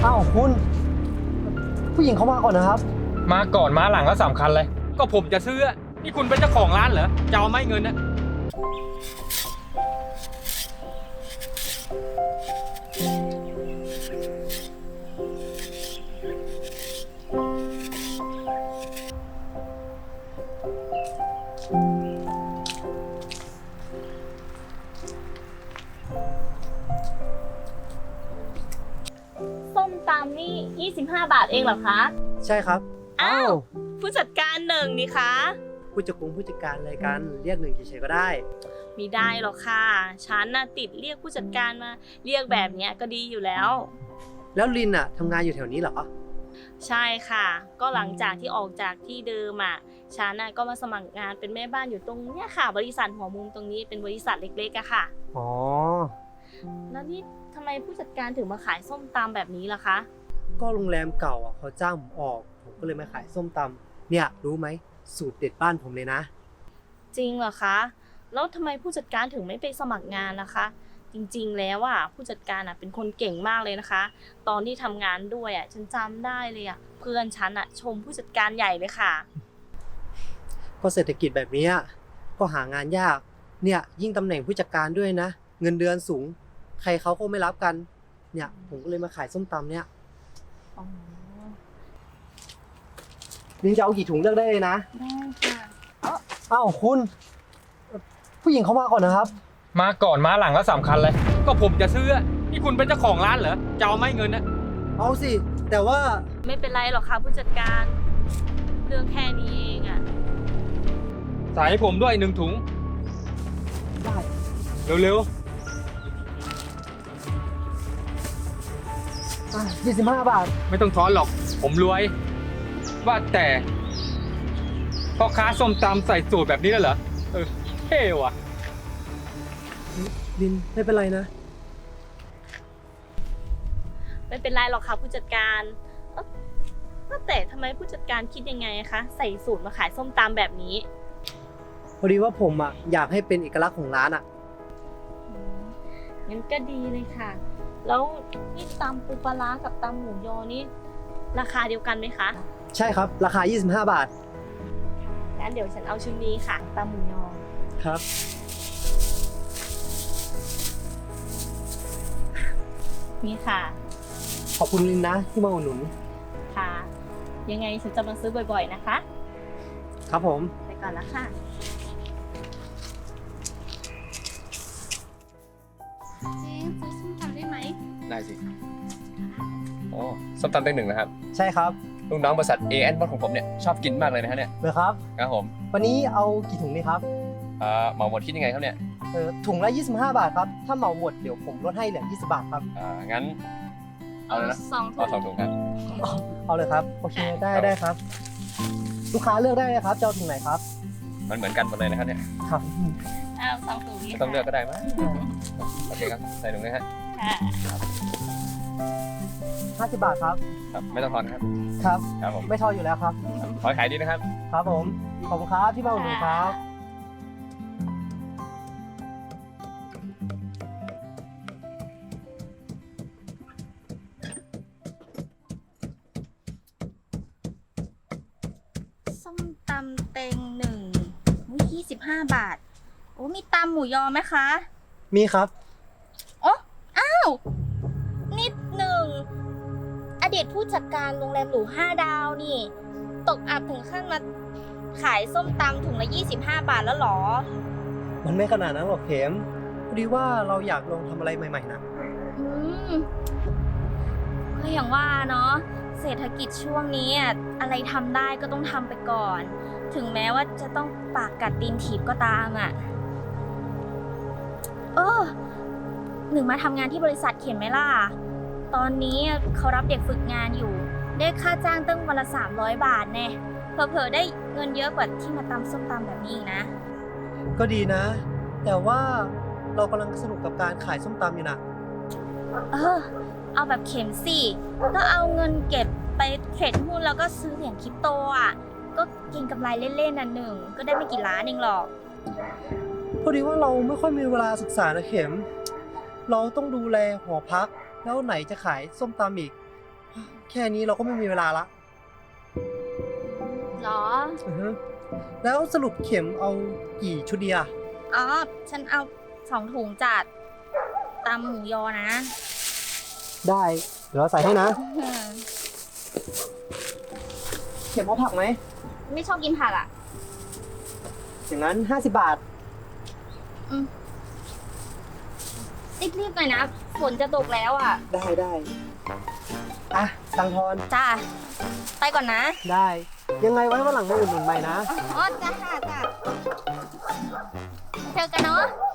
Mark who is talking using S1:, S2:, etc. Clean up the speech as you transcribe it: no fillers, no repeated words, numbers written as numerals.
S1: อ้าวคุณผู้หญิงเขามาก่อนนะครับ
S2: มาก่อนมาหลังแล้วสำคัญเลยก็ผมจะซื้อนี่คุณเป็นเจ้าของร้านเหรอจะเอาไหมเงินนะ
S3: ส้มตำนี่25 บาทเองเหรอคะ
S1: ใช่ครับ
S3: อ้าวผู้จัดการหนึ่งนี่คะ
S1: ผู้จัดการอะไรกันเรียกหนึ่งเฉยๆก็ได้
S3: ไม่ได้หรอกค่ะฉันน่ะติดเรียกผู้จัดการมาเรียกแบบเนี้ยก็ดีอยู่แล้ว
S1: แล้วลินอะทำงานอยู่แถวนี้เหรอ
S3: ใช่ค่ะก็หลังจากที่ออกจากที่เดิมอ่ะฉันน่ะก็มาสมัครงานเป็นแม่บ้านอยู่ตรงเนี้ยค่ะบริษัทหัวมุมตรงนี้เป็นบริษัทเล็กๆอะค่ะ
S1: อ๋อ
S3: แล้วนี่ทำไมผู้จัดการถึงมาขายส้มตำแบบนี้ล่ะคะ
S1: ก็โรงแรมเก่าอะเขาจ้างผมออกผมก็เลยมาขายส้มตำเนี่ยรู้ไหมสูตรเด็ดบ้านผมเลยนะ
S3: จริงเหรอคะแล้วทำไมผู้จัดการถึงไม่ไปสมัครงานนะคะจริงๆแล้วอ่ะผู้จัดการอ่ะเป็นคนเก่งมากเลยนะคะตอนที่ทำงานด้วยอ่ะฉันจำได้เลยอ่ะเพื่อนฉันอ่ะชมผู้จัดการใหญ่เลยค่ะ
S1: ก็เศรษฐกิจแบบนี้ก็หางานยากเนี่ยยิ่งตำแหน่งผู้จัดการด้วยนะเงินเดือนสูงใครเขาก็ไม่รับกันเนี่ยผมก็เลยมาขายส้มตำเนี่ยลินจะเอากี่ถุงเลือกได้เลยนะ
S3: ได้ค่ะ
S1: อ้าวคุณผู้หญิงเขามาก่อนนะครับ
S2: มาก่อนมาหลังแล้วสำคัญเลยก็ผมจะซื้อนี่คุณเป็นเจ้าของร้านเหรอจะเอาไหมเงินนะ
S1: เอาสิแต่ว่า
S3: ไม่เป็นไรหรอกค่ะผู้จัดการเรื่องแค่นี้เองอ่ะ
S2: ใส่ให้ผมด้วย1 ถุง
S1: ได้
S2: เร็ว
S1: 25 บาท
S2: ไม่ต้องทอนหรอกผมรวยว่าแต่พ่อค้าส้มตำใส่สูตรแบบนี้แล้วเหรอเท่ว่ะ
S1: ลินไม่เป็นไรนะ
S3: ไม่เป็นไรหรอกค่ะผู้จัดการว่าแต่ทำไมผู้จัดการคิดยังไงคะใส่สูตรมาขายส้มตำแบบนี้
S1: พอดีว่าผมอยากให้เป็นเอกลักษณ์ของร้าน
S3: งั้นก็ดีเลยค่ะแล้วนี่ตำปูปลาร้ากับตำหมูยอนี่ราคาเดียวกันไหมคะ
S1: ใช่ครับราคา25 บาท
S3: งั้นเดี๋ยวฉันเอาชุดนี้ค่ะตำหมูยอ
S1: ครับ
S3: นี่ค่ะ
S1: ขอบคุณลินนะที่มาอุดหนุน
S3: ค่ะยังไงฉันจะมาซื้อบ่อยๆนะคะ
S1: ครับผม
S3: ไปก่อนแล้วค่ะ
S4: เจ๊ซื้อส้มตำได้ไหม
S5: ได้สิอ๋อส้มตำเต็งหนึ่งนะครับ
S1: ใช่ครับ
S5: ลูกน้องบริษัท A&B ของผมเนี่ยชอบกินมากเลยนะฮะเนี่ย
S1: เหรอครับ
S5: ครับผม
S1: วันนี้เอากี่ถุงดีครับ
S5: เหมาหมดคิดยังไงครับเนี่ย
S1: ถุงละ25 บาทครับถ้าเหมาหมดเดี๋ยวผมลดให้เหลือ20 บาทครับ
S5: งั้นเอาเลยนะเอา2 ถุงครับ
S1: เอาเลยครับโอเคได้ครับลูกค้าเลือกได้เลยครับจะเอาถุงไหนครับ
S5: มันเหมือนกันหมดเลยนะครับเนี่ย
S1: ครับ
S3: เอา2 ถุงนี้
S5: ต้องเลือกก็ได้มั้ยโอเคครับใส่ถุงเลยฮะ
S1: 50 บาทครับ
S5: ครับไม่ต้องทอนครับ
S1: ครับผมไม่ทอนอยู่แล้วครับ
S5: ขอขายดีนะครับ
S1: ครับผมขอบคุณครับที่มาอุดหนุนครับ
S4: ส้มตำเต็งหนึ่ง25 บาทโอ้มีตำหมูยอไหมคะ
S1: มีครับ
S4: อ๋ออ้าวนิดหนึ่งอดีตผู้จัดการโรงแรมหรู5 ดาวนี่ตกอับถึงขั้นมาขายส้มตำถุงละ25 บาทแล้วหรอ
S1: มันไม่ขนาดนั้นหรอกเข็มพอดีว่าเราอยากลองทำอะไรใหม่ๆนะ
S4: ก็อย่างว่าเนาะเศรษฐกิจช่วงนี้อะไรทำได้ก็ต้องทำไปก่อนถึงแม้ว่าจะต้องปากกัดตีนถีบก็ตามหนึ่งมาทำงานที่บริษัทเขียนไหมล่ะตอนนี้เขารับเด็กฝึกงานอยู่ได้ค่าจ้างตั้งวันละ300 บาทแน่เผลอๆได้เงินเยอะกว่าที่มาตำส้มตำแบบนี้นะ
S1: ก็ดีนะแต่ว่าเรากำลังสนุกกับการขายส้มตำอยู่นะ
S4: เอาแบบเข็มสิก็เอาเงินเก็บไปเทรดหุ้นแล้วก็ซื้อเหรียญคริปโตก็เก็งกำไรเล่นๆหนึ่งก็ได้ไม่กี่ล้านเองหรอก
S1: พอดีว่าเราไม่ค่อยมีเวลาศึกษานะเข็มเราต้องดูแลหอพักแล้วไหนจะขายส้มตำอีกแค่นี้เราก็ไม่มีเวลาละ
S4: เหรอ
S1: อือฮึแล้วสรุปเข็มเอากี่ชุดดีอะ
S4: อ๋อ ฉันเอา2 ถุงจัดตำหมูยอนะ
S1: ได้เดี๋ยวเราใส่ให้นะ
S4: อืม
S1: เข็มเอาผักไหม
S4: ไม่ชอบกินผักอ่ะ
S1: อย่างนั้น50 บาท
S4: รีบๆหน่อยนะ ฝนจะตกแล้วอ่ะ
S1: ได้อ่ะตังทอน
S4: จ้า ไปก่อนนะ
S1: ได้ ยังไงไว้วันหลังมาอุดหนุนใหม่นะ
S4: อ๋อจ้าจ้าเจอกันเนาะ